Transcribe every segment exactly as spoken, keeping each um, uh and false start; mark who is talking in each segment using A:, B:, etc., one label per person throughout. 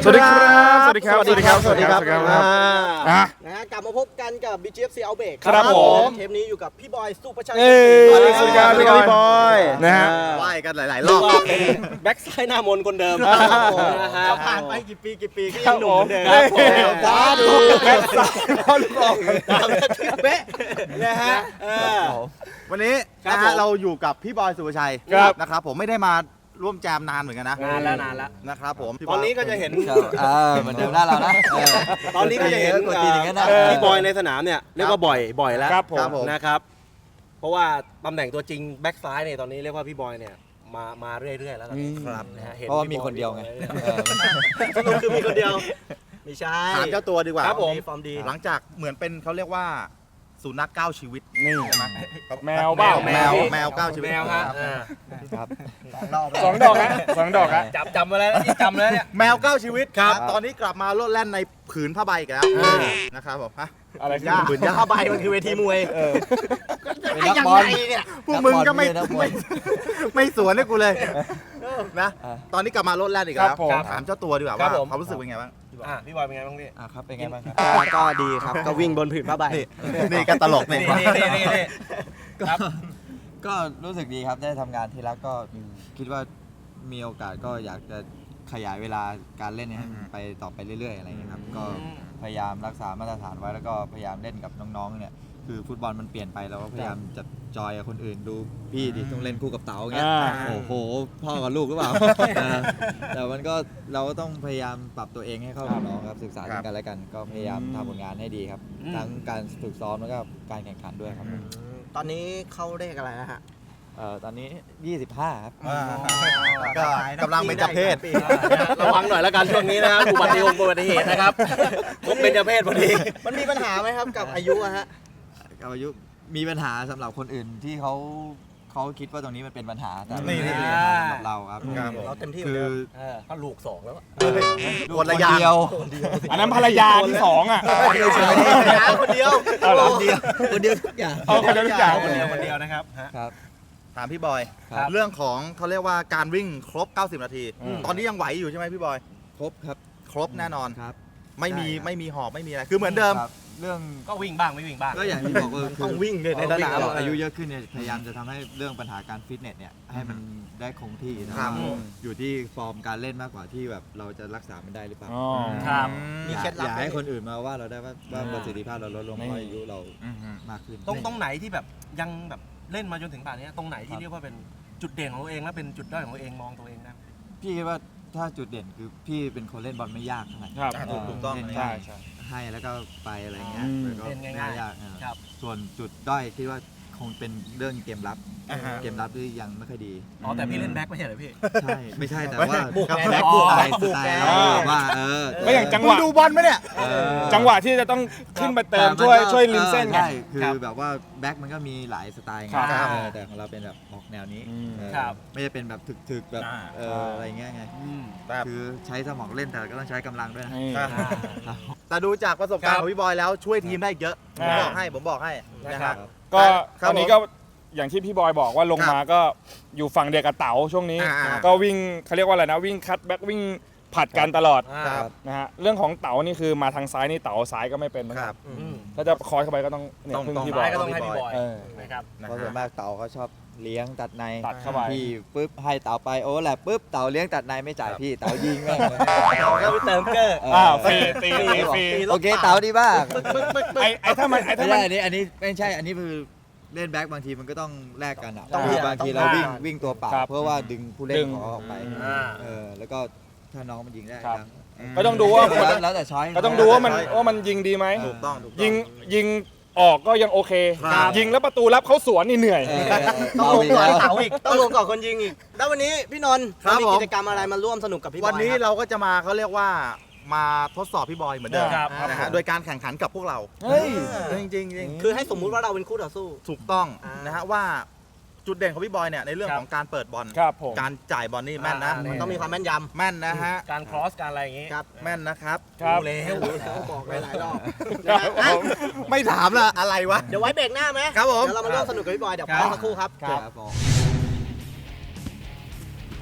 A: สวัสดีครับสวัสดีครับสวัสดีครับสวัสดีครับ
B: สวัสดีครับ
A: อ่ะ
B: นะฮะกลับมาพบกันกับ บี จี เอฟ ซี Outbreak
A: ครับผม
B: เทปนี้อยู่กับพี่บอยสุประชัย
A: เอ้ย
B: สวัสดี
A: สวัสดีครับ
B: สวัสดีครับ
A: พี่
B: พี่
A: บบ อ
B: อย ย
A: นะฮะ
B: ไห
C: ไหว้กันหลายๆร
B: เรีย
C: อก บ
B: ว่าเป็นแบ็กซ้ายหน้ามนคนเดิมนะฮะผ่านไปกี่ปีกี่ปีก็ยังหนุ่มเหมือนเดิม
A: ครับผม
B: สาธุ
A: แบ็คซ้ายเขาลูกออก
B: ตามแบบเป๊ะนะฮะเออ
C: วันนี้
B: ครับ
C: นะ
B: ผ
C: ฮะ
B: ม
C: เราอยู่กับพี่บอยสุภชัย
A: ครับ
C: นะครับผมไม่ได้มาร่วมแจมนานเหมือนกันนะ
B: นานแล้วนานแล้ว
C: นะครับผมพี่บ
B: ต
C: ย
B: อนนี้ก็จะเห็น
D: เออเหมือนเดิมหน้าเรานะเออ
B: ตอนนี้ก็จะเห็น
D: กดตีนอย่างนั้นนะ
B: เอ่อพี่บอยในสนามเนี่ยเรียกว่าบ่อยบ่อยแล้ว
A: ครับผม
C: ครับผม
B: นะครับ เพราะว่าตำแหน่งตัวจริงแบ็กซ้ายเนี่ยตอนนี้เรียกว่าพี่บอยเนี่ยมามาเรื่อยๆแล้วตอนนี้
C: ครับ
B: นะฮะห็
D: เพราะว่า
B: พี่
D: มี
B: บอย
D: คนเดียวไง
B: เออสรุปคือมีคนเดียวไม่ใช่
C: ถามเจ้าตัวดีกว่า
B: ครับผมฟอร์มดี
C: หลังจากเหมือนเป็นเขาเรียกว่าสุนัขเก้าชีวิต
A: นี่
C: ใช่ไหม
A: แมวเปล่า
C: แมวแมวเก้าชีวิต
B: แมวฮะ
D: ครับ
A: สองดอกฮะสองดอกฮะ
B: จับจำมาแล้วนี่จำแล้วเนี่ย
C: แมวเก้าชีวิต
B: ครับ
C: ตอนนี้กลับมาโลดแล่นในผืนผ้าใบอีกแล้ว
B: เออ
C: นะครับผมฮะ
A: อะไรขึ้น
C: ยาก
A: บืนยาก
B: ผ้าใบมันคือเวทีมวย
D: เป็นนักบอล
B: เนี่ย
C: พวกมึงก็ไม่
D: นักบอ
C: ไม่
D: ล
C: ไม่สวนให้กูเลยนะ
D: อ่ะ
C: ตอนนี้กลับมาโลดแล่นอีก
A: ครั
C: แล้
A: บ
C: ว
A: ผม
C: ถามเจ้าตัวดีกว่า
B: ครั
C: ว่า
B: บผม
C: ความรู้สึกเป็นไงบ้าง
B: อ่ะพี่บอยเป็นไงบ้างพี่
D: อ่ะครับเป็นไงบ้างครับ
B: ก็ดีครับก็วิ่งบนผืนผ้าใบ
C: นี่นี่ก็ตลก
B: นี่
C: เนี่ย
B: นี่นี่นี่ครับ
D: ก็รู้สึกดีครับได้ทำงานที่รักก็คิดว่ามีโอกาสก็อยากจะขยายเวลาการเล่นเนี่ยให้มันไปต่อไปเรื่อยๆอะไรอย่างเงี้ยครับก็พยายามรักษามาตรฐานไว้แล้วก็พยายามเล่นกับน้องๆเนี่ยคือฟุตบอลมันเปลี่ยนไปเราก็พยายามจะจอยกับคนอื่นดูพี่ดิต้องเล่นคู่กับเต๋าอย่างเงี้ย
A: อ่า
D: โอ้โหพ่อกับลูกหรือเปล่า เออแต่มันก็เราก็ต้องพยายามปรับตัวเองให้เข้ากับน้องครับศึกษา
C: ครั
D: ซึ่
C: บ
D: งกันและกัน ก็พยายามทำผลงานให้ดีครับ
B: อืม
D: ทั้งการฝึกซ้อมแล้วก็การแข่งขันด้วยครับ
B: ตอนนี้เข้าเลขอะไรนะฮะ
D: เอ่อตอนนี้ ยี่สิบห้า ครับ
C: อ่าก็กำลังเป็นเจ้าเพศ
B: ระวังหน่อยแล้วกันช่วงนี้นะครับอุบัติเหตุอุบัติเหตุนะครับผมเป็นเจ้าเพศพอดีมันมีปัญหาไหมครับกับอายุอะฮะ
D: กับอายุมีปัญหาสำหรับคนอื่นที่เขาเขาคิดว่าตรงนี้มันเป็นปัญหาแต่
C: นี่
D: ไม่ได้เป็นปัญหาสำหรับเราครับ
C: ครับผม
B: เราเต็มที่
D: คือ
B: เออก็ลูกสองแล้วอะ
D: ลูก
C: คนละ
D: คน
C: อย่าง
D: เดียว
A: อันนั้นภรรยาที่สองอ่ะ
B: คนเดียวคนเดียว
A: เอาเหรอ
B: คนเดียว
D: คนเดียวทุกอย่าง
A: เอาคนเดียวทุกอย่าง
B: คนเดียวคนเดียวนะครับฮะ
D: ครับ
C: ถามพี่บอย
D: ครับ
C: เรื่องของเขาเรียกว่าการวิ่งครบ เก้าสิบ นาที
A: อืม
C: ตอนนี้ยังไหวอยู่ใช่ไหมพี่บอย
D: ครบครับ
C: ครบแน่นอน
D: ครับ
C: ไม่มี
D: ใช่ครับ
C: ไม่มีหอบไม่มีอะไร คือเหมือนเดิม
D: ครับเรื่อง
B: ก็วิ่งบ้างไม่วิ่งบ้าง
D: ก็อย่างที่บอกว่า
B: ต้องวิ่งเลยในสนาม
D: เราอายุเยอะขึ้นเนี่ยพยายามจะทำให้เรื่องปัญหาการฟิตเนสเนี่ยให้มันได้คงที่นะ
C: ค
D: ค
C: รั
D: รับ บอยู่ที่ฟอร์มการเล่นมากกว่าที่แบบเราจะรักษามันได้หรือเปล่า
A: อ๋อ
B: ครับ
C: อืม
B: มี
D: อย่า
B: เคล็ดลับ
D: อย่า
B: ไหม
D: ให้คนอื่นมาว่าเราได้ว่าว่า
A: อ่า
D: ประสิทธิภาพเราลดลงเพราะอายุเรา
C: อืม
D: มากขึ้น
B: ตรงตรงไหนที่แบบยังแบบเล่นมาจนถึงป่านนี้ตรงไหนที่
D: ครับ
B: เรียกว่าเป็นจุดเด่นของตัวเองและเป็นจุดด้อยของตัวเองมองตัวเองนะ
D: พี่คิดว่าถ้าจุดเด่นคือพี่เป็นคนเล่นบอลไม่ยากเท่าไหร่
A: ครับ
C: อ่าถูกถูกต้อง
D: เล่น
A: ใช่
D: ง่าย
A: ใช่
D: ให้แล้วก็ไปอะไรเงี้ย
A: อืม
D: แล้วก็
B: เล่นง่ายๆ
D: ไม่ยากอ่า
B: ครับ
D: ส่วนจุดด้อยคิดว่าคงเป็นเรื่องเกมรับ
C: อ่าฮะ
D: เกมรับที่ยังไม่ค่อยดี
B: อ๋อแต่พี่เล่นแบ็คไม่ใช่เหรอพี่
D: ใช่ไม่ใช่แต่ว่า
B: บุกไง
D: แบ็ค
B: อ๋อ
D: สไตล์ส
B: บุก
D: ไต
B: ไง
D: ล์เราว่าเออ
A: ก็อย่างจังห
C: มึง
A: วะ
C: ดูบอลไหมเนี่ย
D: เออ
A: จังหวะที่จะต้องขึ้นไปเติม
D: แต่น
A: ช่วย
D: ก็
A: ช่วยริมเส้นไง
D: ใช่คื
B: ครั
D: อบ แบบว่าแบ็คมันก็มีหลายสไตล์ไง
A: ครับ
D: เออแต่ของเราเป็นแบบออกแนวนี้
A: อืม
D: เออ
B: ครับ
D: ไม่ได้เป็นแบบถึกๆแบบ
C: อ่า
D: เอออะไรเงี้ยไง
C: แบบ
D: คือใช้สมองเล่นแต่ก็ต้องใช้กำลังด้วยนะ
A: นี่
C: อ่า
D: ครับ
C: แต่ดูจากประสบการ
B: ครั
C: ณ์
B: บ
C: ของพี่บอยแล้วช่วยทีมได้เยอะ ผม
A: อ่า
C: บอกให้ผมบอกให้นะ
B: ครั
C: ฮะ
B: บ
A: ก็
C: ครับ
A: ตอนนี้ก็อย่างที่พี่บอยบอกว่าลงมาก็อยู่ฝั่งเดียวกับเต๋าช่วงนี้
C: อ่า
A: ก็วิ่งเขาเรียกว่าอะไรนะวิ่งคัตแบ็กวิ่งผัดกันตลอด
C: ครับ
A: นะฮะเรื่องของเต๋านี่คือมาทางซ้ายนี่เต๋าซ้ายก็ไม่เป็นเหมือน
C: ค
A: กั
C: รั
A: น
C: บ
B: อืม
A: ถ้าจะคอยเข้าไปก็ต้องเนี่ย
C: ต้อง
A: พึ่ง
C: ต้อง
A: พี่บอ
B: ซ้าย ยก็ต้องให้พี่บอย
A: เออ
B: นะครับ
C: นะ
D: เพราะส่วน
C: ฮะ
D: มากเต่าเขาชอบเลี้ยงตัดใน
A: ตัดเข้าไป
D: พี่ปุ๊บให้เต่าไปโอ้แหละปุ๊บเต่าเลี้ยงตัดในไม่จ่ายพี่เต่ายิงแม่งเลย
B: ก็ไปเติมเกอร์
A: อ้าวฟรีตีตีฟรี
D: โอเคเต่าดีบ้าง
A: ไอ้ไอ้ถ้ามันไอ้
D: ไม่
A: ถ้ามั
D: ใช่
A: น
D: อันนี้อันนี้ไม่ใช่อันนี้คือเล่นแบ็คบางทีมันก็ต้องแลกกันอ่ะ
B: ต้อง
D: คือบางทีเราวิ่ง
B: ต้อง
D: วิ่งตัวเปล่า
A: ครับ
D: เพื่อว่าดึงผู้เล่น
A: ดึง
D: ของเขาออกไป
B: อ่า
D: เออแล้วก็ถ้าน้องมันยิงได้
A: ครับ
D: ยัง
A: ก็ต้องดูว่าคน
D: แล้วแล้วแต่ช้อย
A: ก็ต้องดูว่ามันว่ามันยิงดีไหม
C: ถูกต้องถูกต้อง
A: ยิงยิงออกก็ยังโอเค
C: ครับ
A: ยิงแล้วประตูรับเขาสวนนี่เหนื่อย
D: เออ
B: ต้อง
D: เบา
B: ลง
D: อีก
B: ก่อน
D: แล้ว
B: เต๋าอีกต้องลงก่อนคนยิงอีกแล้ววันนี้พี่นนท์
C: ครับ
B: มี
C: ผม
B: กิจกรรมอะไรมาร่วมสนุกกับพี่บอย
C: วันนี้
B: ครับ
C: เราก็จะมาเขาเรียกว่ามาทดสอบพี่บอยเหมือนเดิม
B: ครับ
C: นะ
A: ครั
C: ฮะ
A: บ
C: โดยการแข่งขันกับพวกเรา
A: เฮ้ย
C: จริงๆจริงจริง
B: คือให้สมมุติว่าเราเป็นคู่ต่อสู้
C: ถูกต้อง
B: อ่าน
C: นะฮะว่าจุดเด่นของพี่บอยเนี่ยในเรื่อง
B: ครับ
C: ของการเปิดบอล
A: ครับผม
C: การจ่ายบอลนี่แม่นนะ
B: อ่ามันต้องมีความแม่นย
C: แม่นนะฮะ
B: ำการครอสการอะไรอย่างงี้
C: ครับ แม่นนะครับ
A: ครับ
B: รู้แล้วรู้แล้วบอกหลายๆรอบ
A: ครับผม
C: ไม่ถามละอะไรวะ
B: เดี๋ยวไว้เบรกหน้าไหม
C: ครับผม
B: เดี๋ยวเรามาร่วมสนุกกับพี่บอยเดี๋ยว
A: ครับ
B: พักสักครู่ครับ
D: ครับผม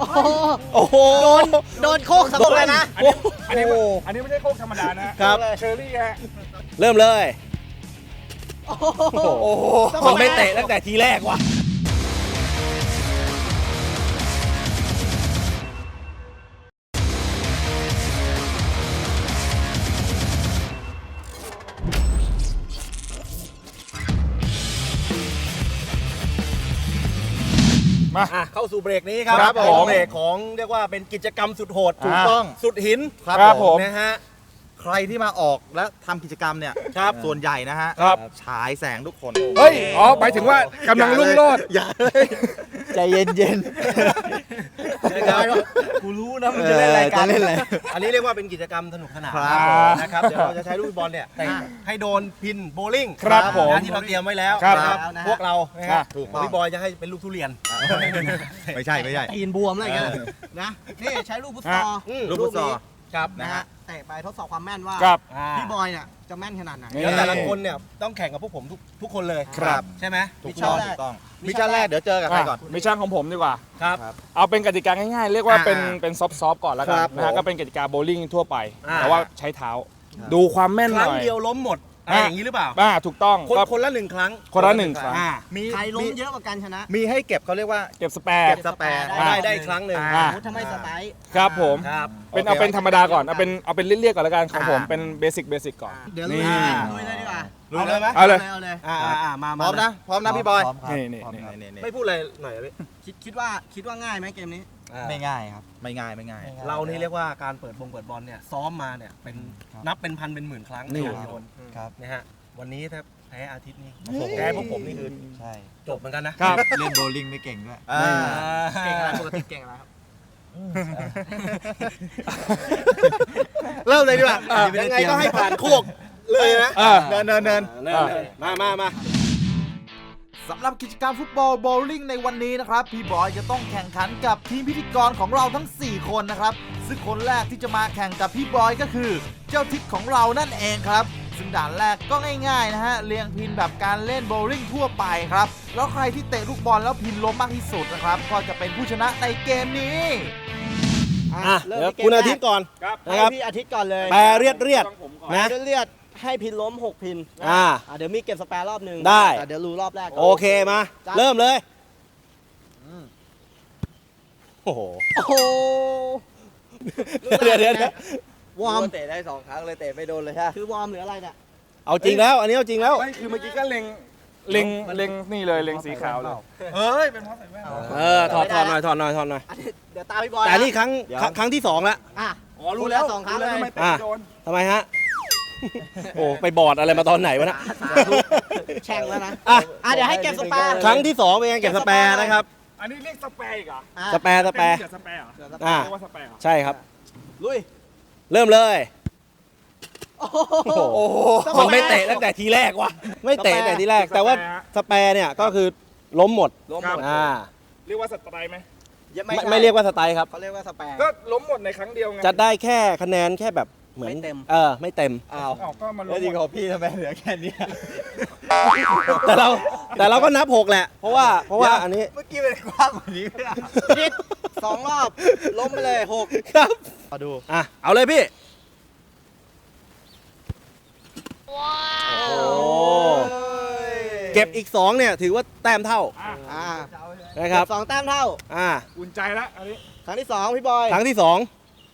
B: โอ้โหโอ้โหโดนโดนโคกสะบกเลยนะ
A: อันนี้อันนี้อันนี้ไม่ใช่โคกธรรมดานะฮะ
B: ครับ
A: เชอร์รี่ฮะ
B: เริ่มเลย
C: โอ้โห
B: มันไม่เตะตั้งแต่ทีแรกว่ะ
A: มา
B: อ่ะเข้าสู่เบรกนี้ครับ
A: ครับผม
B: เบรกของเรียกว่าเป็นกิจกรรมสุดโหด
C: ถูกต้อง
B: สุดหิน
A: ครับผม
B: นะฮะ
C: ใครที่มาออกและทำกิจกรรมเนี่ย
B: ครับ
C: ส่วนใหญ่นะฮะ
A: ครับ
C: ฉายแสงทุกคน
A: เฮ้ย อ๋อ หมายถึงว่ากำลังรุ่งโรจน์
C: อย่าเลย
D: ใจเย็นเย็น
B: กูรู้นะมันจะเล่นรายการ
D: จะเล่นอะไร
B: อันนี้เรียกว่าเป็นกิจกรรมสนุกสนาน
C: ครับ
B: นะครับเดี๋ยวเราจะใช้ลูกบอลเนี่ยเตะให้โดนพินโบลิ่ง
A: ครับผม
B: นะที่เราเตรียมไว้แล้ว
A: ครับ
B: นะครับพวกเรานะค
A: ครั
B: รับบ
C: ถูกต้อง
B: พี่บอยจะให้เป็นลูกทุเรียน
C: ไม่ใช่ไม่ใช่
E: ตีนบวมอะไรอย่างเงี้ยนะนี่ใช้ลูกฟุตซอล
B: อืม
C: ลูกฟุตซอล
B: ครับ
E: นะฮะเตะไปทดสอบความแม่นว่า
A: ครับ
E: พี่บอยเนี่ยจะแม่นขนาดไหน
A: นี่
B: แล้วแต่ละคนเนี่ยต้องแข่งกับพวกผมทุกทุกคนเลย
A: ครับ
B: ใช่ไหม
C: ถูกต้องถูกต้องมิชชั่นแรกเดี๋ยวเจอกับใครก่อน
A: มิชชั่นของผมดีกว่า
B: ครับ
A: เอาเป็นกติกาง่ายๆ เรียกว่าเป็น
C: อ่า
A: เป็นซอฟต์ๆก่อนแล้วกัน
C: ครับ
A: นะฮะ
C: ผม
A: ก็เป็นกติกาโบว์ลิ่งทั่วไป
B: อ่า
A: แต่ว่าใช้เท้า ดูความแม่น
B: ค
A: ห
B: รั้ง
A: น่อย
B: เดียวล้มหมดอะไรอย่างนี้หรือเปล่า
A: อ่าถูกต้อง
B: คน
A: ก็
B: คนละหนึ่งครั้ง
A: คนละหนึ่งครั้ง
B: อ่า
C: มี
E: ใครล้ม
C: มี
E: เยอะกว่ากันชนะ
C: มีให้เก็บเขาเรียกว่า
A: เก็บสแปร์
C: เก็บสแปร์
E: ได้
B: ได้ได้อีกครั้งหนึ่ง
A: อ่า
E: สมมุติถ้าไม่สไตล์
A: ครับผม
B: ครับ
A: เป็น
C: โอเค
A: เอาเป็นธรรมดาก่อน เอาเป็นเอาเป็นเรียกๆก่อนแล้วกันของผม
C: อ่า
A: เป็นเบสิกเบสิกก่อน
E: เดี๋ยวลุย
A: นี่
E: ลุยเลยดีกว่า
B: รู้เลยไหม
A: เอาเลย
E: เอาเลย
B: อ่าอ่าอ่ามา
C: พ
B: มา
C: ร้อมนะ พร้อมนะพี่บอย
D: พร้อมครับ
A: นี่นี่
D: พร้อม
A: นี่
D: ครับ
C: นี่ๆ
B: ไม่พูดอะไรหน่อยอะพี่
E: คิดคิดว่าคิดว่าง่ายไหมเกมนี้
B: อ่า
D: ไม่ง่ายครับ
C: ๆไม่ง่ายไม่ง่าย
B: เรานี่เรียกว่าการเปิดบงเปิดบอลเนี่ยซ้อมมาเนี่ยเป็น
D: ครับ
B: นับเป็นพันเป็นหมื่นครั้ง
A: นี่
B: ในการโยน
D: ครับ
B: นะฮะวันนี้ถ้าแพ้อาทิตย์นี้แพ้พวกผมนี่คือ
D: ใช่
B: จบเหมือนกันนะครับ
D: เล่นโบว์ลิ่งไม่เก่งด้วย
C: อ่า
E: เก่งอะไรปกติเก่งอะไรครับ
C: เริ่มเลยดีกว่า
B: ยังไงก็ให้ผ่านโคกเลยนะ
A: อ่า
C: เนินเนินเนิน
B: เนินเนินมามามา
C: สำหรับกิจกรรมฟุตบอลโบว์ลิ่งในวันนี้นะครับพี่บอยจะต้องแข่งขันกับทีมพิธีกรของเราทั้งสี่คนนะครับซึ่งคนแรกที่จะมาแข่งกับพี่บอยก็คือ เจ้าทิศของเรานั่นเองครับซึ่งด่านแรกก็ง่ายๆนะฮะเรียงพินแบบการเล่นโบว์ลิ่งทั่วไปครับแล้วใครที่เตะลูกบอลแล้วพินล้มมากที่สุดนะครับก็จะเป็นผู้ชนะในเกมนี้
B: อ่ะ
E: เริ่ม
B: เดี๋ยว
E: ที่เกม
B: คุณอาทิตย์ก่อน
A: ครับ
B: นะ
E: ให้
B: ครับ
E: พี่อาทิตย์ก่อนเลย
B: แปรเรียดเรียด
A: ต้องผมก่อน
B: นะ
E: เลือดให้พินล้มหกพิน
B: อ่า
E: อ่ะเดี๋ยวมีเก็บสแปร์รอบหนึ่ง
B: ได้
E: แต่เดี๋ยวรู้รอบแรกก่น
B: โอเคมา
E: จ้ะ
B: เริ่มเลยโอ้โห
E: โอ้โห
B: เดี๋ยวเดี๋ยวเดี๋ยว
E: วอร์ม
D: เตะได้สองครั้งเลยเตะไม่โดนเลยใช่ไหม
E: คือวอร์มหรืออะไรเนี่ย
B: เอาจริงแล้ว อันนี้เอาจริงแล้ว
A: ไม่คือเมื่อกี้ก็เล็งเล็งเล็งนี่เลยเล็งสีขาวเลย
C: เฮ้ยเป็นเพราะใส่แว่น
B: เออถอดถอดหน่อยถอดหน่อยถอดหน่อย
E: อันนี้เดี๋ยวตามพี่บอย
B: แต่นี่ครั้งครั้งครั้งที่สองแล้ว
E: อ่ะ
A: อ๋อรู้แล้ว
E: สองครั้ง
A: รู้แล้ว
E: เลย
A: ทำไมเตะ
B: อ่ะ
A: ไม่โดน
B: ทำไมฮะ โอ้ไปบอดอะไรมาตอนไหนวะนะ
E: แช่งแล้วนะ
B: อ่ะ
E: อ่ะเดี๋ยวให้เก็บสแปร์
B: ครั้งที่สองเป็นไงเก็บสแปร์นะครับ
A: อันนี้เรียกสแปร์อีกเหรอ
E: อ่ะ
B: สแปร์สแปร์
A: เรียกสแปร์เหรอ
B: อ่า
A: เรียกว่าสแปร์เหรอ
B: ใช่ครับ
E: ลุย
B: เริ่มเลย
E: โอ้โห
B: โอ้โหมันไม่เตะตั้งแต่ทีแรกว่ะไม่เตะตั้งแต่ทีแรก แต่ว่าสแปร์เนี่ยก็คือล้มหมด
E: ล้มหมด
B: อ่า
A: เรียกว่าสไตร์ไหม
B: ไม่ไม่เรียกว่าสไตล์ครับ
E: เขาเรียกว่าสแปร์
A: ก็ล้มหมดในครั้งเดียวไง
B: จะได้แค่คะแนนแค่แบบเหมือน
E: ไม่เต็ม
B: เออไม่เต็ม
E: อ้าว
A: อ้าวก็มันล้
D: แล้ว
A: ม
D: จริง
A: หม
D: ข
A: ด
D: องพี่ทำไมเหลือแค่เนี้ย
B: แต่เราแต่เราก็นับหกแหละ เพราะว่าเพราะว่าอันนี้
D: เมื่อกี้เป็นกว้างกว่านี้ไม่ได้
E: พิษสองรอบ ล้มไปเลยหก
B: ครับ
C: มาดู
B: อ่ะเอาเลยพี่ โอ้เก็บอีกสองเนี่ยถือว่าแต้มเท่า
A: อ่ะ
E: อ่า
B: นะครับ
E: สองแต้มเท่า
B: อ่า
A: อุ่นใจแล้วอันนี้
E: ครั้งที่สองพี่บอย
B: ครั้งที่สอง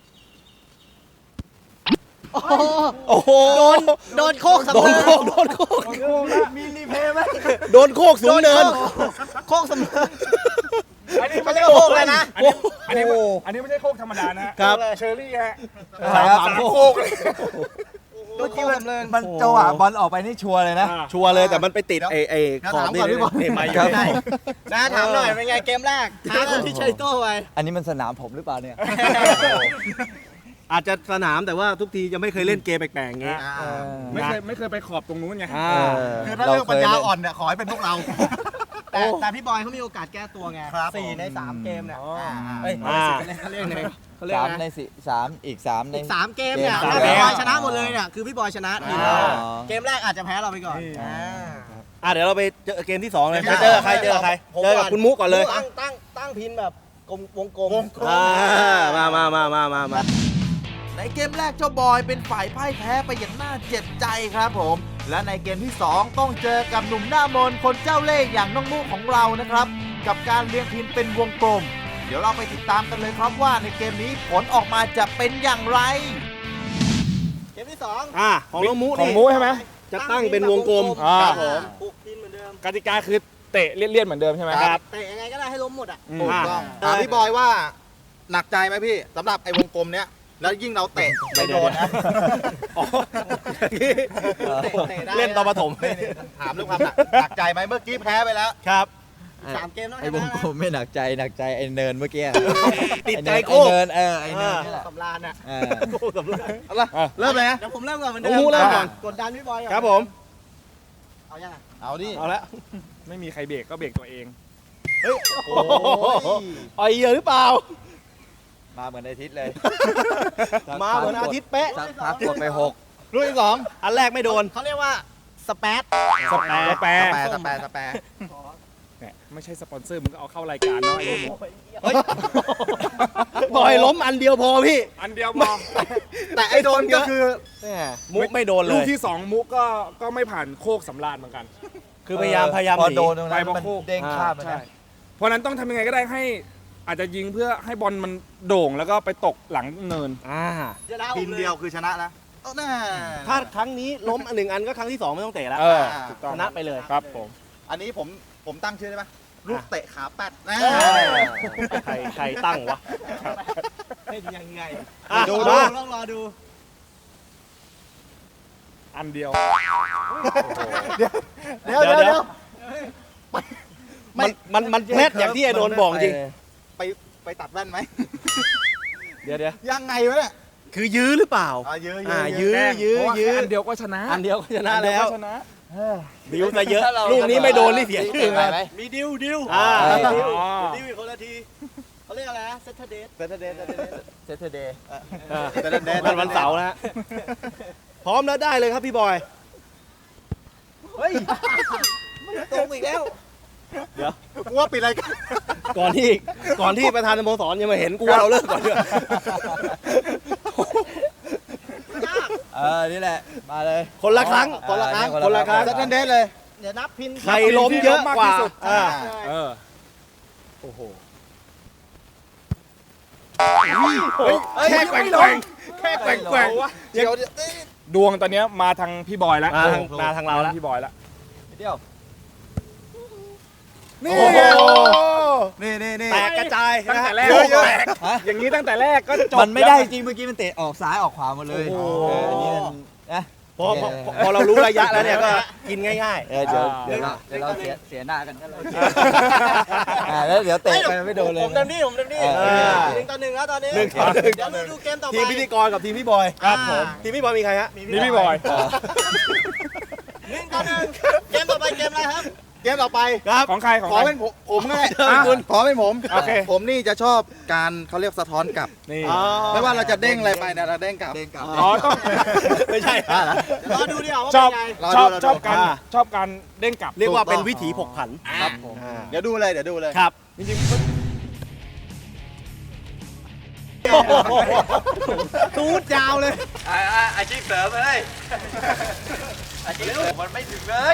E: โอ้โห
B: โอ้โห
E: โดน โดนโคกสำ
B: โดน
E: เร็จ
B: โคกโดนโคก
A: โอ้โหนะ
E: มีรีเพย์ไหม
B: โดนโคกสูงเนิน
E: โคกสำเร็จ
A: อันนี้
E: เขาเรียกว่าโคกเลยนะ
A: อันนี้อันนี้ไม่อันนี้ไม่ใช่โคกธรรมดานะฮะ
B: ครับ
A: เชอร์รี่ฮะ
B: สาม
A: สา
B: สาม
A: ม
B: โค
A: โค
B: ก
A: กเลย
E: โดนโคกสำเร็จ
D: มันจังหวะบอลออกไปนี่ชัวร์เลยนะ
A: อ่ะ
B: ชัวร์เลยแต่มันไปติดไอ้ไอ้
E: เดี๋ยว
B: ขอบ
E: ถาม
B: นี่
E: ก่อนพี่บอล
B: นี่ไม่
D: ครับ
B: ได้
E: นะถามหน่อยเป็นไงเกมแรกท้ากันที่ชัยโต้ไป
D: อันนี้มันสนามผมหรือเปล่าเนี่ย
B: อาจจะสนามแต่ว่าทุกทีจะไม่เคยเล่นเกมแปลกๆอย่างงี้
E: อ่า
D: เออ
A: ไม่เคยไม่เคยไปขอบตรงนู้นไง
B: อ่า
C: คือถ้าเรื่องปัญญาอ่อนเนี่ยขอให้เป็นพวกเรา
E: แต่แต่พี่บอยเขามีโอกาสแก้ตัวไง
C: ครับ
E: สี่ในสามเกมเนี่ย
A: อ๋ออ่
E: า
C: เอ้ย
B: อ่า
E: เขาเรียกไงเขาเรียก
D: สาม
E: ไง
D: ในสี่สามอีกสามใน
E: อีกสามเกมเนี่ย
D: เกม
E: ถ้า
B: สาม
E: พี่บอย
B: เกม
E: ชนะหมดเลยเนี่ยคือพี่บอยชนะทีม
D: อ๋
E: เรา
D: อ
E: เกมแรกอาจจะแพ้เราไปก่อน
A: นี่
E: อ่า
B: อ่ะเดี๋ยวเราไปเจอเกมที่สองเลย
E: เกมที่
B: เจอกับใคร
E: สอง
B: เจอกับใคร
E: ผม
B: เจอกับ
E: ก่อน
B: คุณมุกก่อนเลย
E: ตั้งตั้งตั้งพินแบบ
B: กลมวงกลม
C: วงกลม
B: อ่ามามามามามามา
C: ในเกมแรกเจ้าบอยเป็นฝ่ายพ่ายแพ้ไปอย่างน่าเจ็บใจครับผม และในเกมที่สองต้องเจอกับหนุ่มหน้ามนต์คนเจ้าเล่ห์อย่างน้องมุกของเรานะครับ กับการเรียงทีมเป็นวงกลม เดี๋ยวเราไปติดตามกันเลยครับว่าในเกมนี้ผลออกมาจะเป็นอย่างไร
E: เกมที่สอง
B: อ่าของน้องมู
A: ของ
B: นี่
A: มูใช่ไหม
B: จะตั้งเป็นวงกลม
A: อ่า
B: ครับผม
E: ปลุกทีมเหมือนเดิม
A: กติกาคือเตะเลี่ยนๆเหมือนเดิมใช่ไหม
B: ครับ
E: เตะยังไงก็ได้ให้ล้มหมดอ่ะ
A: อืม
C: ถูกต้อง
B: อ่า
C: ถามพี่บอยว่าหนักใจไหมพี่สำหรับไอ้วงกลมเนี้ยแล้วยิ่งเราเตะไปโดนนะ
B: อ๋อ
E: เตะเตะได้
B: เล่นตอนปฐม
C: ถามเรื่องความหนักหนักใจไหมเมื่อกี้แพ้ไปแล้ว
B: ครับ
E: สามเกมแล้ว
D: ไอ้วงกลมไม่หนักใจหนักใจไอ้เนินเมื่อกี้
B: ติดใจ
D: ไอ้
B: โค้ง
D: เนินเออไอ้เนินนี่แหละ
E: สำราญอ่ะ
D: เออ
B: โค้งสำลัก
C: เอาละเริ่มเลยนะ
E: เดี๋ยวผมเริ่มก่อนเหมือน
B: น้
E: เดิ
B: อง
E: ม
B: มูเริ่มก่อน
E: กดดันพี่บอยก่อน
B: ครับผม
E: เอายังอ่ะ
C: เอาดิ
B: เอาละ
A: ไม่มีใครเบรกก็เบรกตัวเอง
B: โอ้โหอ่อยเหยื่อหรือเปล่า
D: มาเหมือนอาทิตย์เลย
B: มาเหมือนอาทิตย์เป๊ะ
D: สักพักกดไปหก
C: รุ่นที่สอง
B: อันแรกไม่โดน
E: เขาเรียกว่าสเปซ
A: สแปรสแปร
C: สแปรสแปรสแปร
A: เนี่ยไม่ใช่สปอนเซอร์มึงก็เอาเข้ารายการเนาะไอ้หมู
B: เฮ้ยปล่อยล้มอันเดียวพอพี่
A: อันเดียวพอ
C: แต่ไอ้โดนก็คือ
B: มุกไม่โดนเล
A: ลูก
B: ย
A: ที่สองมุกก็ก็ไม่ผ่านโคกสำราญเหมือนกัน
B: คือพยายามพยายาม
D: พอ
B: หนี
D: โดนตรงนั้น
A: ไปบอล
D: มัน
A: โค้ง
D: เด้งข้ามไป
A: ใช่
D: นะ
A: เพราะฉะนั้นต้องทำยังไงก็ได้ให้ อาจจะยิงเพื่อให้บอลมันโด่งแล้วก็ไปตกหลังเนิน
B: อ่า
E: เดี๋ยวนะ
C: ทีมเดียวคือชนะนะเอาหน้า
B: ถ้าครั้งนี้ล้มอันหนึ่งอันก็ครั้งที่สองไม่ต้องเตะแล้ว
A: เออถูกต้อง
B: ชนะไปเลย
A: ครับผม
C: อันนี้ผมผมตั้งชื่อได้ไหมลูกเตะขาแปดนะ
B: ใครใครตั้งวะ
E: เป็นยังไง
B: อ่ะ
C: ดู
B: มา
E: ต้องรอดู
A: อันเดียว
C: เดี๋ยวเดี๋ยวเดี๋ยว
B: มันมันมันแพทอย่างที่ไอ้โดนบอกจริง
C: ไปไปตัดแว่นไหม
B: เดี๋ยวเดี๋ยว
C: ยังไงวะเนี่ย
B: คือยื้อหรือเปล่า
C: อ่าเยอะ
B: อ่า
C: เย
B: ยื้
C: อะ
B: อยื้อ
A: เพราะว่า
B: ยื้อ
A: แค่อันเดียวก็ชนะ
B: อันเดียวก็ชนะ
A: อัเดีย
B: แล้ว
A: ก็ชนะ
B: บิวซะเยอะลูกนี้ไม่โดนนี่เสียชื่อ
D: ไป
B: เลย
D: ไหม
E: มีดิวดิว
B: อ่า
E: ดิว
A: อ๋อ
E: ดิวอีกคนละทีเขาเรียกอะไรนะเซตเทเดส
C: เซตเดย์เซตเดย์
D: เซตเดย์
B: อ่า
C: เซตเดย์
B: วันวันเสาร์นะฮะพร้อมแล้วได้เลยครับพี่บอย
E: เฮ้ยตรงอีกแล้ว
B: เดี๋ยว
C: กูว่าปิดรายการ
B: ก่อนที่ก่อนที่ประธานสโมสรยังมาเห็นกูว่าเราเลิกก่อนเถอะ
D: เออ นี่แหละ มาเลย
B: คนละครั้ง
D: อ่า
B: คนละครั้ง
D: เนี่ย
B: คนละครั้ง
C: เซตเดย์เลย
E: เดี๋ยวนับพิน
B: ใครล้มเยอะกว่า
A: ที่สุด
B: อ่า
A: เออ
B: โอ้โห
A: แค่แกว่งแกว่งแค่แกว่งแกว่ง
C: เดี๋ยว
A: ดวงตอนเนี้ยมาทางพี่บอยแล้ว
B: มาทางมาทางเราแล้ว
A: พี่บอยแล้ว
D: เดียว
A: นี่
B: โอ้โห
C: นี่นี่นี่
B: แตกกระจาย
A: ตั้ง
B: นะ
A: แต่
B: ฮะ
A: แรก
C: เยอะเยอะ
A: แตกอย่างนี้ตั้งแต่แรกก็จบ
D: มันไม่ได้
A: แล้ว
D: จริงเมื่อกี้มันเตะออกซ้ายออกขวาหมดเลย
B: โอ้โห
D: เอออันนี้มันนะ
B: พอพอพอพอเรารู้ระยะแล้วเนี่ยก็กินง่าย
D: เออเดี๋ยวเดี๋ยวเราเดี๋ยวเราเสียเสียหน้ากันก็เลยอ่าแล้วเดี๋ยวเตะไปไม่โดนเลย
E: ผมเต็มที่ผมเต็มที่
D: เออ
E: หนึ่งต่อหนึ่งแล้วตอนนี้
B: หนึ่งต่อหนึ่ง
E: เดี๋ยวดูเกมต่อ
B: ๆ
E: ไป
B: ทีมพิธีกรกับทีมพี่บอย
E: ครับผม
B: ทีมพี่บอยมีใครฮะ
A: นี่พี่บอย
E: หนึ่งต่อหนึ่งเกมต่อไปเกมอะไรครับ
C: เกมต่อไป
B: ครับ
A: ของใครของ
C: ขอ
A: ใคร
C: เป็นผมผมก็ได้
A: อ่ะ
C: คุณขอเป็นผม
A: โอเค
C: ผมนี่จะชอบการเขาเรียกสะท้อนกลับ
A: นี่
B: อ๋อ
C: ไม่ว่าเราจะเด้งอะไรไปเนี่ยเราเด้งกลับ
D: เด้งกลับ
A: อ๋อต้อง
B: ไม่ใช่
E: เดี๋ยวรอดูดีกว่าว่า
A: ช
E: เป็
A: อบ
E: นไง
C: รอ
A: ช
C: ดู
A: อบ
C: รอดู
A: ชอบการ
B: อ่า
A: ชอบการเด้งกลับ
B: เรียกว่าเป็น
C: ถูกต้อง
B: วิถีผกผัน
C: ครับผม
B: อ่า
C: เดี๋ยวดูเลยเดี๋ยวดูเลย
B: ครับ
A: จริง
B: ตูดยาวเลย
D: อาชีพเสริมเลยอาชีพเสริมมันไม่ถึงเลย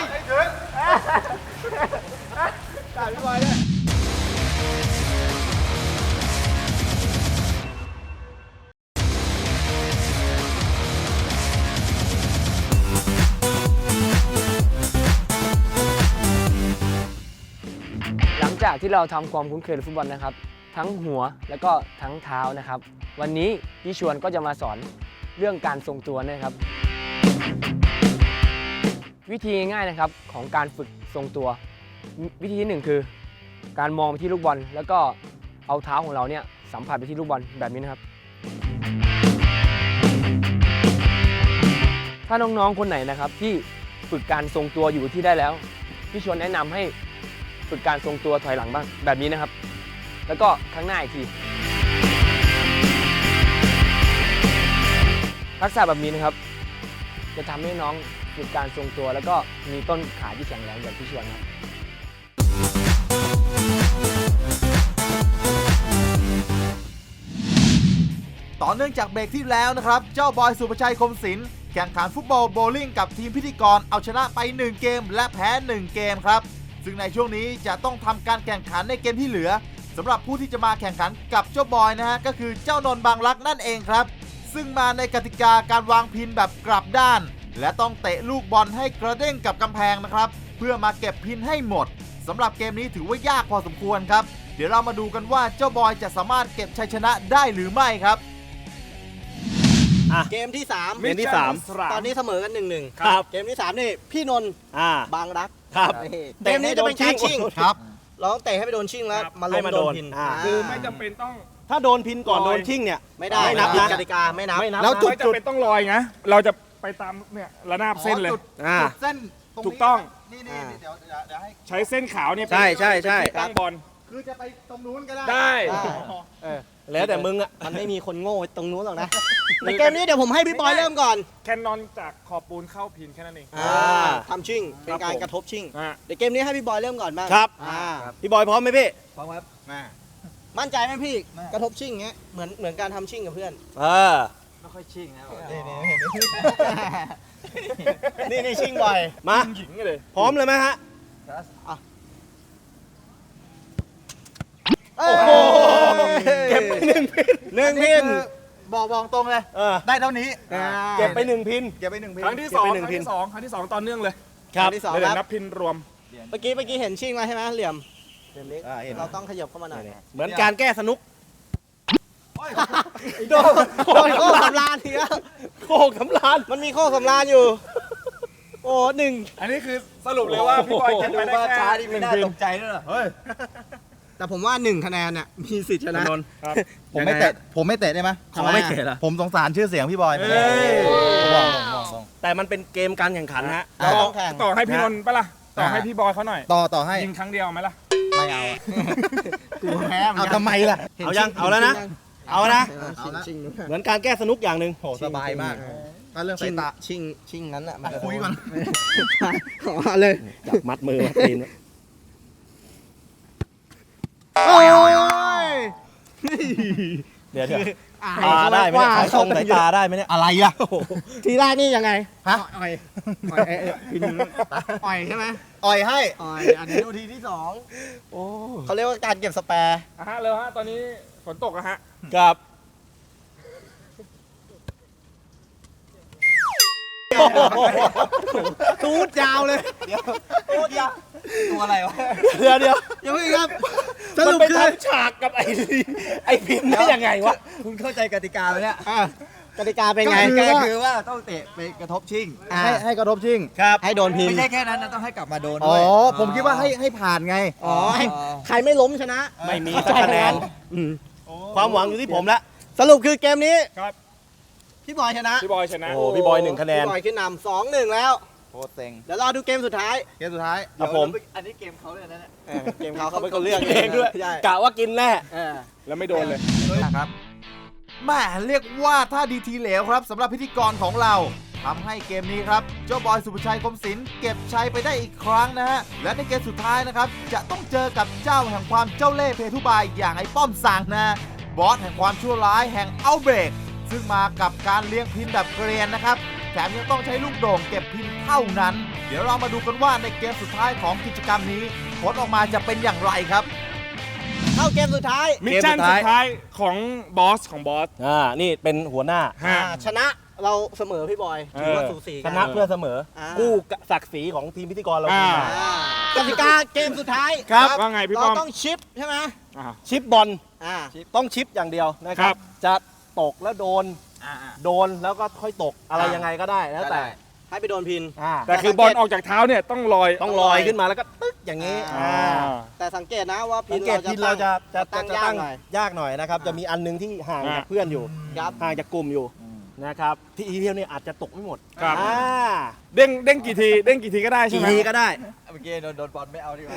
F: หลังจากที่เราทำความคุ้นเคยกับฟุตบอลนะครับ ทั้งหัวแล้วก็ทั้งเท้านะครับ วันนี้พี่ชวนก็จะมาสอนเรื่องการทรงตัวนะครับ วิธีง่ายๆนะครับของการฝึกทรงตัว วิธีที่หนึ่งคือ การมองไปที่ลูกบอลแล้วก็เอาเท้าของเราเนี่ยสัมผัสไปที่ลูกบอลแบบนี้นะครับ ถ้าน้องๆคนไหนนะครับที่ฝึกการทรงตัวอยู่ที่ได้แล้วพี่ชวนแนะนำให้ฝึกการทรงตัวถอยหลังบ้างแบบนี้นะครับ แล้วก็ข้างหน้าอีกทีทักษะแบบนี้นะครับ จะทำให้น้องฝึกการทรงตัว แล้วก็มีต้นขาที่แข็งแรงอย่างพี่ชวนครับ
C: เนื่องจากเบรกที่แล้วนะครับเจ้าบอยสุภชัยคมศิลป์แข่งขันฟุตบอลโบว์ลิ่งกับทีมพิธีกรเอาชนะไปหนึ่งเกมและแพ้หนึ่งเกมครับซึ่งในช่วงนี้จะต้องทำการแข่งขันในเกมที่เหลือสำหรับผู้ที่จะมาแข่งขันกับเจ้าบอยนะฮะก็คือเจ้านนท์บางรักนั่นเองครับซึ่งมาในกติกาการวางพินแบบกลับด้านและต้องเตะลูกบอลให้กระเด้งกับกำแพงนะครับเพื่อมาเก็บพินให้หมดสำหรับเกมนี้ถือว่ายากพอสมควรครับเดี๋ยวเรามาดูกันว่าเจ้าบอยจะสามารถเก็บชัยชนะได้หรือไม่ครับ
E: เกมที่สาม
B: เกมที่สาม
E: ตอนนี้เสมอกันหนึ่งหนึ่ง
B: ครับ
E: เกมที่สามนี่พี่นนท์
B: อ่า
E: บางรัก
B: ครับ
E: นี่เกมนี้จะเป็นการชิง
B: ครับ
E: เราต้องเตะให้ไปโดนชิงแล้ว
A: ครับ
E: มาล
B: ให้
E: ง
B: มา
E: โด
B: โด
E: น
B: น
E: พิน
B: อ่า
A: คือไม่จำเป็นต้อง
B: ถ้าโดนพินก่อน
A: ลอย
B: โดนชิ่งเนี่ย
E: ไม่ได้
B: ไม่นับนะ
E: กติกาไม่นับ
B: ไม่นับ
C: แล้วจุด
A: ไม่จำเป็นต้องลอยนะเราจะไปตามเนี่ยระนาบเส้นเลย
C: จุด
B: อ่า
C: จุดเส้นตรงนี้
A: ถูกต้อง
C: นี่นี่นี่เดี๋ยวเดี๋ยวเดี๋ยวให้
A: ใช้เส้นขาวเนี่ย
B: ใช่ใช่ใช่
A: เป็นที่ตั้งบอล
C: คือจะไปตรงนู้นก็ได้
A: ได้
E: ได้
B: เออแล้วแต่มึงอ่ะ
E: มันไม่มีคนโง่ตรงนู้นหรอกนะในเกมนี้เดี๋ยวผมให้พี่บอยเริ่มก่อน
A: แคนนอนจากขอบปูนเข้าพินแค่นั้นเอง
E: อ่าทำชิงเป็นการ
A: ครับผม
E: กระทบชิง
A: อ่ะ
E: เดี๋ยวเกมนี้ให้พี่บอยเริ่มก่อนบ้าง
B: ครับ
E: อ่า
B: พี่บอยพร้อมไหมพี่
C: พร้อมครับมา
E: มั่นใจไหมพี่กระทบชิงเงี้ยเหมือนเหมือนการทำชิงกับเพื่อน
B: เออ
C: ไม่ค่อยชิ่งนะ
E: นี่นี่นี่นี่ชิงบ่อย
B: มา
A: หญิงเลย
B: พร้อมเลยไหมฮะ
E: โอ้โห
B: เก็บไปหนึ่งพินหนึ่งพิน
C: บอกบอกตรงเลย
B: เออ
C: ได้เท่านี้
B: เก็บไปหนึ่งพิน
C: เก็บไปหนึ่งพิน
A: ครั้งที่สอง
B: เก็บไป
A: ค
B: หนึ่
A: รั้
B: ง
A: ง
B: พิน
A: ที่สองครั้งที่สองต่อเนื่องเลย
B: ครับ
E: ที่สอง
A: เดี๋ยว
E: ครับ
A: นับพินรวม
E: เมื่อกี้เมื่อกี้เห็นชิงมาใช่ไหมเหลี่ยมเหลี่ยมเล็ก
B: อ่าเห็น
E: เราต้องขยับเข้ามาหน่อย
B: เหมือนการแก้สนุก
E: โดนโดนโค้สำรานทีแล้ว
B: โคกสำราน
E: มันมีโค้สำรานอยู่ โอ้หนึ่ง
A: อันนี้คือสรุปเลยว่าพี่บอยเก็บไปได้แค่หนึ่งพิน
C: ด้วยเหรอเฮ้ย
E: แต่ผมว่าหนึ่งคะแนนน่ะมีสิทธิ์ชนะ
B: นนท์
A: ครับ
C: ผมไม่เตะผมไม่เตะได้ไหม
E: ทำไม
B: ไม่เตะละ
C: ผมสงสารชื่อเสียงพี่บอย
A: เอ้ย
C: บอกบอกบอกบอก
B: แต่มันเป็นเกมการแข่งขันฮะ
E: เราต้องแข่ง
A: ต่อให้พี่นนท์ปะล่ะต่อให้พี่บอยเขาหน่อย
C: ต่อต่อให้
A: ยิงครั้งเดียวไหมล่ะ
C: ไม่เอาอะ
E: กูแพ้
C: เอาทำไมล่ะ
B: เอายังเอาแล้วนะ เอานะ
E: ชิงชิง
B: เหมือนการแก้สนุกอย่างหนึ่ง
C: โหสบายมากถ้าเรื่อง
E: ชิ
C: สาง ยตา
E: ชิงชิงนั้นอ่ะมัน
C: คุยก่อน
E: ขอเลย
B: จับมัดมือมัดตีน
E: โอ้ย
B: เดี๋ยวเดี๋ยว
E: อ่า
B: ตาได้ไหมเนี่ยใช้ทรงสายตาได้ไหมเนี่ย
C: อะไรล่ะ
E: ทีแรกนี่ยังไง
C: ฮะ
E: อ่อยอ่อยเอ้ยเอ้ยพินอ่อยใช่ไหม
C: อ่อยให้
E: อ่อยอันนี้ดูทีที่สองเขาเรียกว่าการเก็บสแปร์
A: อ่ะฮะเร็วฮะตอนนี้ฝนตกอะฮะ
B: กับ
E: ตูดยาวเลยตูดยาว
C: ตัวอะไรวะ
B: เดี๋ยวเดี๋ยว
E: ยังไม่ครับส
B: มัน
E: รุป
B: ไป
E: คือ
B: ทำฉากกับไอ้ไอ้พินได้ยังไงวะ
C: คุณเข้าใจกติกาไหมเนี่ย
E: อ่ะกติกาเป็นไง
C: กติกาคือว่าต้องเตะไปกระทบชิง
E: อ่า
C: ให้ให้กระทบชิง
B: ครับ
E: ให้โดนพิน
C: ไม่ใช่แค่นั้นนะต้องให้กลับมาโดน
E: อ๋
C: ด้
E: อ
C: วยผมคิดว่าให้ให้ผ่านไง
E: อ๋อให้ใครไม่ล้มชนะ
B: ไม่มีสักคะแนน
E: อืม
B: ความหวังอยู่ที่ผมแล้ว
E: สรุปคือเกมนี้
A: ครับ
E: พี่บอยชนะ
A: พี่บอยชนะ
B: โอ้พี่บอยหนึ่งคะแนน
E: พี่บอยขึ้นนำสองหนึ่งแล้ว
C: โคตรเซ็ง
E: เดี๋ยวรอดูเกมสุดท้าย
C: เกมสุดท้าย
B: ครับผม
C: อันนี้เกมเขาเลยนะเนี่ย
E: เออเกมเขาเขาเป็นคนเลือก
B: เองด้วย
E: ใช่
B: กะว่ากินแน่
E: เออ
A: แล้วไม่โดนเลย
C: ครับแม่เรียกว่าถ้าดีทีเหลวครับสำหรับพิธีกรของเราทำให้เกมนี้ครับเจ้าบอยสุภชัยคมศิลป์เก็บชัยไปได้อีกครั้งนะฮะและในเกมสุดท้ายนะครับจะต้องเจอกับเจ้าแห่งความเจ้าเล่ห์เพทุบายอย่างไอ้ป้อมสั่งนะบอสแห่งความชั่วร้ายแห่งเอาเบรกซึ่งมากับการเลี้ยงพินแบบเกรียนนะครับแถมยังต้องใช้ลูกโด่งเก็บพินเท่านั้น เดี๋ยวเรามาดูกันว่าในเกมสุดท้ายของกิจกรรมนี้ผลออกมาจะเป็นอย่างไรครับ
E: เข้าเกมสุดท้าย
A: มิชชั่น
B: เกมสุด
A: สุ
B: ท้าย
A: ดท้ายของบอสของบอส
B: อ่า นี่เป็นหัวหน้า
A: ฮะ
E: อ่าชนะเราเสมอพี่บอยถือว่า
A: เออ
E: สูสี
B: ช
E: กัน
B: นะเพื่อเสมอ
E: อ่า
B: กู้ศักดิ์ศรีของทีมพิธีกรเรา
A: อ่า
B: ขึ้นมา
E: อ่ากติกาเกมสุดท้าย
A: ครับว่าไงพี่
E: เรา
A: ป้อม
E: ต้องชิปใช่ไหม
A: อ่า
B: ชิปบอล
E: อ่า
B: ต้องชิปอย่างเดียวนะค
A: ค
B: รั
A: รับ บ
B: จะตกแล้วโดน โดนแล้วก็ค่อยตกอะไรยังไงก็ได้แล้วแต่
E: ให้ไปโดนพิน
B: อ่า
A: แต่คือบอลออกจากเท้าเนี่ยต้องลอย
B: ต้องลอยขึ้นมาแล้วก็ตึ๊กอย่างนี้
E: อ่า
B: อ่า
E: แต่สังเกตนะว่าพิ
B: สั
E: น
B: งเกตพินเราจะจะ
E: ตั้
B: จะ
E: ง
B: จะ
E: ยาก
B: ตั้ง
E: หน่อย
B: ยากหน่อยนะครับ จะมีอันหนึงที่ห่าง
A: อ่า
B: จากเพื่อนอยู่
E: ครับ
B: ห่างจากกลุ่มอยู่นะครับที่อีเทียวเนี่ยอาจจะตกไม่หมด
A: ครับ
B: อ่า
A: เด้งเด้งกี่ทีเด้งกี่ทีก็ได้ใช่
B: กี่
A: ไหม
B: ทีก็ได้
C: เมื่อกี้โดนโดนบอลไม่เอาดีกว่า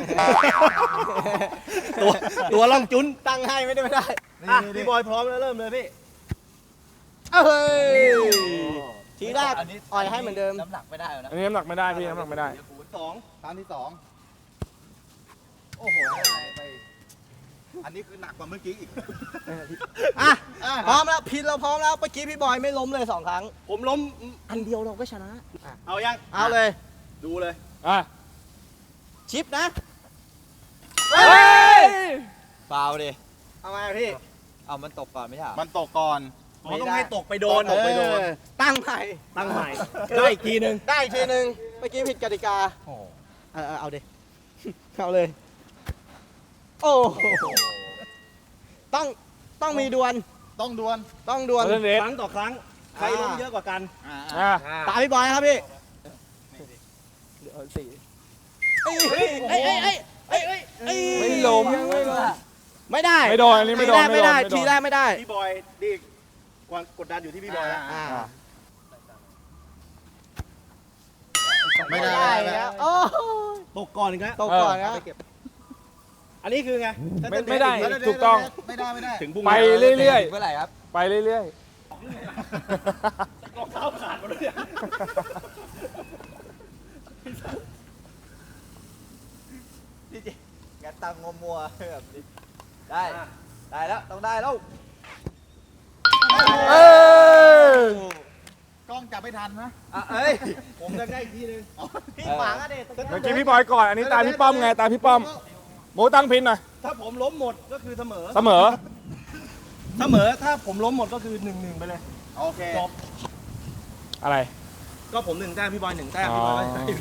B: ตัวตัวล่องจุน
E: ตั้งให้ไม่ได้ไม่ได้
B: อ่ะพี่บอยพร้อมแล้วเริ่มเลยพี่
E: เฮ้ยทีแรกอ่อยให้เหมือนเดิม
C: น้ำหนักไม่ได้แล้วนะ
A: อันนี้น้ำหนักไม่ได้พี่น้ำหนักไม่ได้
B: สอง
C: ครั้งที่สองโอ้โหได้ไปอันนี้คือหนักกว่าเมื่อกี้อีก
E: อ่ะพร้อมแล้วพินเราพร้อมแล้วเมื่อกี้พี่บอยไม่ล้มเลยสองครั้ง
B: ผมล้ม
E: อันเดียวเราก็ชนะอ่ะ
B: เอายัง
E: เอาเลย
B: ดูเลย
A: อ่ะ
E: ชิปนะ
A: เฮ้ย
D: ฟาวดิ
E: เอาไงพี่
D: เอามันตกก่อนไม่ใช่เหรอ
C: มันตกก่อน
B: ผมต้องให้ตกไปโดน
E: ตกไปโดนตั้งใหม่
B: ตั้งใหม่ ได้อีกทีหนึง
E: ได้อีกทีหนึ่งเมื่อกี้ผิดกติกาเออเออเอาดิ เอาเลย โอ้โหต้องต้องมีดวล
C: ต้องดวล
E: ต้องดวล
A: เล่นเด็ด
B: ครั้งต่อครั้ง ใครล้มเยอะกว่ากัน
A: อ่ะ
E: ตามพี่บอยนะครับพี่เอ้ยเอ้ยเอ้ยเอ้ยเอ้ยเอ้ยเอ้ย
A: ไม่ล้ม
E: ไม่ได้
A: ไม่โดนอันนี้ไม่โดน
E: ทีแรกไม่ได้
A: ไม่โดน
E: ทีแรกไม่ได้
B: พี่บอยนี่ความกดดันอยู่ที่พี่บอยแล้ว
E: อ่า
C: ไม่ได้
E: แล้วโอ้
B: ตกก่อนอีกแล้ว
E: ตกก่อนนะ
B: อันนี้คือไง
A: ไม่ไม่ได้ถูกต้อง
C: ไม่ได้ไม่ได้
B: ถึงพรุ่ง
A: ไป
B: นี้
A: เรื่อย
D: เมื่อไหร่ครับ
A: ๆ ไปเรื่อย
B: รองเท้าขาดหมดเลยเนี่ย
D: งั้นตังมัวมัวๆแบบนี้ได้ ได้แล้ว ต้องได้แล้ว
A: ๆ เออก
C: ล้องจับไม่ทันนะ
D: อ่ะเอ้ย
B: ผมจะได้อีกทีหนึง
E: พี่ขวางอะเด็ด
A: เมื่อกี้พี่บอยก่อน อันนี้ตามพี่ป้อมไง ตามพี่ป้อมหมูตั้งพินหน่อย
B: ถ้าผมล้มหมดก็คือเสมอ
A: เสมอ
B: เสมอ ถ้าผมล้มหมดก็คือหนึ่งหนึ่งไปเลย
C: โอเค
B: จบ
A: อะไร
B: ก็ผมหนึ่งแต้มพี่บอยหนึ่งแต้มพี่บอย
A: อ๋อ
B: ไม่ได้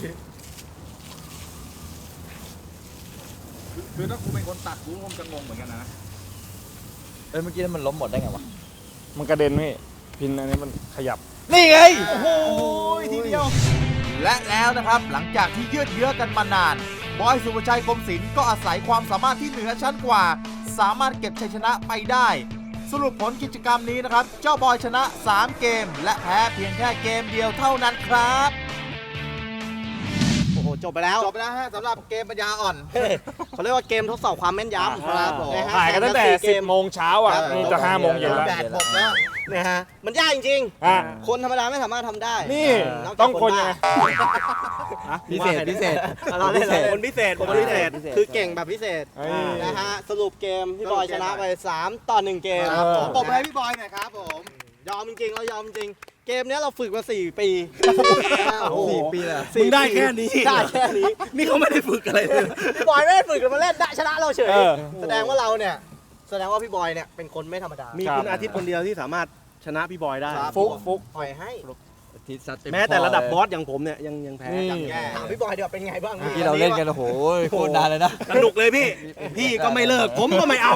C: คือถ้ากูเป็นคนตัดกูคงจะงงเหมือนกันนะ
D: เอ้ย เมื่อกี้มันล้มหมดได้ไงวะ
A: มันกระเด็นพี่พินอันนี้มันขยับ
D: นี่ไง
C: โอ้โหทีเดียว และแล้วนะครับหลังจากที่ยืดเยื้อกันมานาน บอยสุภชัยคมศิลป์ก็อาศัยความสามารถที่เหนือชั้นกว่า สามารถเก็บชัยชนะไปได้ สรุปผลกิจกรรมนี้นะครับ เจ้าบอยชนะสามเกม และแพ้เพียงแค่เกมเดียวเท่านั้นครับ
E: โอ้โหจบไปแล้ว
C: จบไปแล้วฮะสำหรับเกมปัญญาอ่อน
E: เขาเรียกว่าเกมทดสอบความแม่นยำครับผมะฮะ
A: ถ่ายกันตั้งแต่
E: สี่เก
A: สิบ
E: ม
A: โมงเช้าอ่ะ
C: ครับ
A: นี่จะห้าโมงเย็นแล้ว
C: แดดหมดแล้ว
E: นะฮะมันยากจริง
A: อ่ะ
E: ๆ คนธรรมดาไม่สามารถทำได้
A: นี่
E: นอกจาก
A: ต้องคนยังไง
D: พิเศษ พิเศษ
E: เราเล่น
B: คนพิเศษคนพิเศษ
E: คือเก่งแบบพิเศษ
A: เอ้ย
E: นะฮะสรุปเกมพี่บอยชนะไปสามต่อหนึ่งเกม
A: ครับผม
C: ปรบมือให้พี่บอยหน่อยครับผม
E: ยอมจริงๆเรายอมจริง เกมเนี้ยเราฝึกมาสี่ปีโอ้โห
D: สี่ปีเลย
B: มึงได้แค่นี้
E: ได้แค่นี้
B: นี่เขาไม่ได้ฝึกอะไรเลย
E: พี่บอยไม่ได้ฝึกกันมาเล่นได้ชนะเราเฉย
A: เออ
E: แสดงว่าเราเนี่ยแสดงว่าพี่บอยเนี่ยเป็นคนไม่ธรรมดา
B: มีคุณอาทิตย์คนเดียวที่สามารถชนะพี่บอยได้
E: ครับ
A: ฟุกฟุก
E: ปล่อยให้
D: ทิศซัดเต็
B: แม้แต่ระดับบอสอย่างผมเนี่ยยังยังแพ้
A: นี่
B: ยังแย่
E: ถามพี่บอยเดี๋ยวาเป็นไงบ้าง
D: เมื่อกี้เราเล่นกันโอ้โหโคตรนานเลยนะ
B: สนุกเลยพี่ พี่ก็ไม่เลิก ผมก็ไม่เอา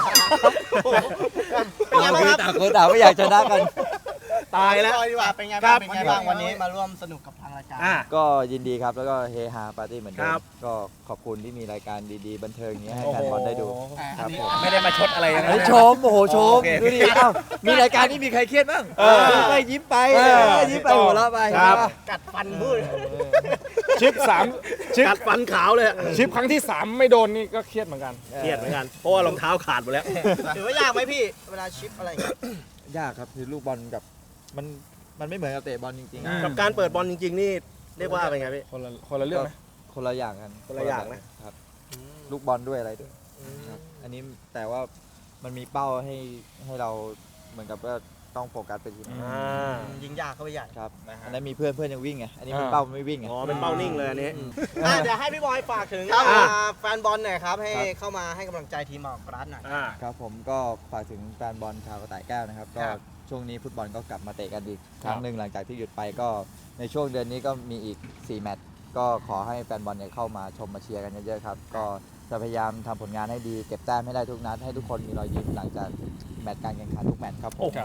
E: เป็นไง
D: เรา
E: บ้าง
D: คือ
E: ครับ
D: ต่างคนต่างไม่อยากชนะกัน
B: ตายแล้ว
E: พี่บอยดีกว่าเป็นไง
B: ครั
E: บ้าง
B: บ
E: เป็นไงบ้างวันนี้มาร่วมสนุกกับทางรายการ
B: อ่ะ
D: ก็ยินดีครับ แล้วก็เฮฮาปาร์ตี้เหมือนเดิ
B: ครั
D: ม
B: บ
D: ก็ขอบคุณที่มีรายการดีๆ บันเทิงอย่างนี้ยให้แฟนบอลได้ดู ครับผม
B: ไม่ได้มาชดอะไรนะ
D: เฮ้ยชม โอ้โห ชม
B: โอเค
D: ดูดิเอ้ามีรายการที่มีใครเครียดบ้าง
A: เออ
D: ยิ้มไปยิ้มไป
A: เออ
D: เออยิ้มไปหัวเราะไป
A: ครับ
E: กัดฟันพูด
A: ชิปสามชิป
B: กัดฟันขาวเลยอะ
A: ชิปครั้งที่สามไม่โดนนี่ก็เครียดเหมือนกัน
B: เครียดเหมือนกัน เพราะว่ารองเท้าขาดหมดแล้ว
E: ถือว่ายากไหมพี่ เวลาชิปอะไรอย่างเงี้ย
D: ยากครับคือลูกบอลกับมันมันไม่เหมือนกับเตะบอลจริง
A: อืม
B: กับการเปิดบอลจริง ๆ นี่เรียกว่าเป็นไงพี่
A: คนละคนละเรื่องไหม
D: ๆ คนละอย่างกัน
B: คนละอย่างนะ
D: ครับ ลูกบอลด้วยอะไรด้วยครับอันนี้แต่ว่ามันมีเป้าให้ให้เราเหมือนกับว่าต้องโฟกัสไปทีนึง
B: อ่า
E: ยิงยากเข้าไปใหญ่
D: ครับ
E: นะฮะ
D: อันนั้นมีเพื่อนเพื่อนยังวิ่งไงอันนี้มัน
A: อ่า
D: เป้าไม่วิ่งไง
B: อ๋อ เป็นเป้านิ่งเลยอันนี้
E: อ่ะเดี๋ยวให้พี่บอยฝากถึง
B: ครับ
E: อ่าแฟนบอลหน่อยครับ ให้
D: ครับ
E: เข้ามาให้กำลังใจทีมหมอกรัฐหน่อย
B: อ่า
D: ครับผมก็ฝากถึงแฟนบอลชาวกระต่ายแก้วนะครับ ก็
E: ครับ
D: ช่วงนี้ฟุตบอลก็กลับมาเตะกันอีกครั้งหนึ่งหลังจากที่หยุดไปก็ในช่วงเดือนนี้ก็มีอีกสี่แมตช์ก็ขอให้แฟนบอลเนี่ยเข้ามาชมมาเชียร์กันเยอะๆครับก็จะพยายามทำผลงานให้ดีเก็บแต้มให้ได้ทุกนัดให้ทุกคนมีรอยยิ้มหลังจากแมตช์การแข่งขันทุกแมตช์ครับผม
B: โอ้โห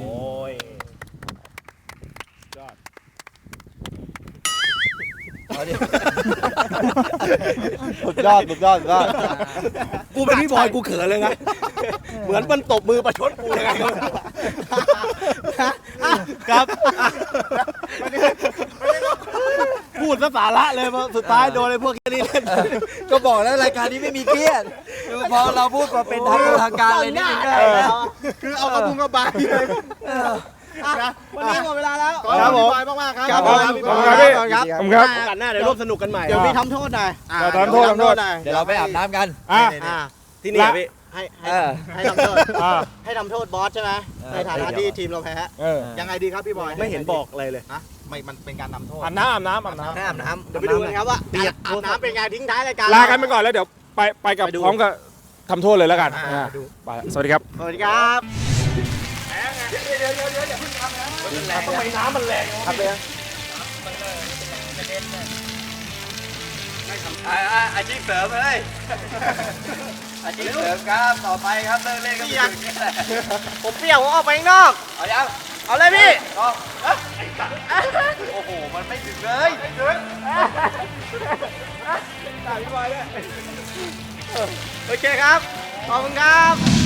A: ยอด
D: สุดยอดสุดยอดสุดยอด
B: กูเป็นพี่บอยกูเขินเลยนะ เหมือนมันตบมือประชดกูเลยไงครับพูดซะสาระเลยมาสุดท้ายโดนไอ้พวกแค่นี้เล่น
D: ก็บอกแล้วรายการนี้ไม่มีเครียดคือพอเราพูดมาเป็นทางทางการเลยนิดนึงก็ได้นะ
C: คือเอากระพุ้งกระบายเลย
E: อ่ะวันนี้หมดเวลาแล้ว
C: ขอบคุณพี่บอยมากๆครับ
E: ครับ
C: ขอบ
A: ข
C: คุ
A: อบ
C: ณ
A: คุณ
C: พี่
A: ครับ
C: บอย
A: พี่
E: ครับ
A: ขอบคุณครับ
B: โอกาสหน้าเดี๋ยวร่วมสนุกกันใหม่
E: เดี๋ยวมีทำโทษหน่อย
C: อ่า
A: เดี๋ยวทำโทษทำโทษ
E: หน่อย
D: เดี๋ยวเราไปอาบน้ำกัน
A: อ่ะ
E: อ่า
B: ที่นี่อะพี่
E: ให้ให้
B: เออ
E: ให้ทำโทษ
A: อ่า
E: ให้ทำโทษบอสใช่ไหมในฐานะที่ทีมเราแพ้
A: เออ
E: ยังไงดีครับพี่บอย
B: ไม่เห็นบอกอะไรเลย
E: ฮะไม่มันเป็นการนำโทษ
A: อาบน้ำอาบน้ำอาบน้
B: ให้อาบน้ำ
E: เดี๋ยวไปดูกันครับว่าอาบน้ำเป็นไงทิ้งท้ายรายการ
A: ำลากันไปก่อนแล้วเดี๋ยวไปไปกับ
E: ไปดู
A: พร้อมกับทำโทษเลยแล้วกัน
E: อ่า
A: อ่าไปละสวัสดีครับ
E: สวัสดีครับ
A: ทำไมน้ำมันแรง
E: ครับเลย
B: อาชีพเสริมเลยอาชีพเสริมครับต่อไปครับเลิกเล่นก็เป็นอย่างนี้แหละ
E: ผมเปรี้ยวผมออกไปข้างนอก
B: เอายัง
E: เอาเลยพี่
B: ต้องโอ้โหมันไม่ถึงเลย
E: โอเคครับ ขอบคุณครับ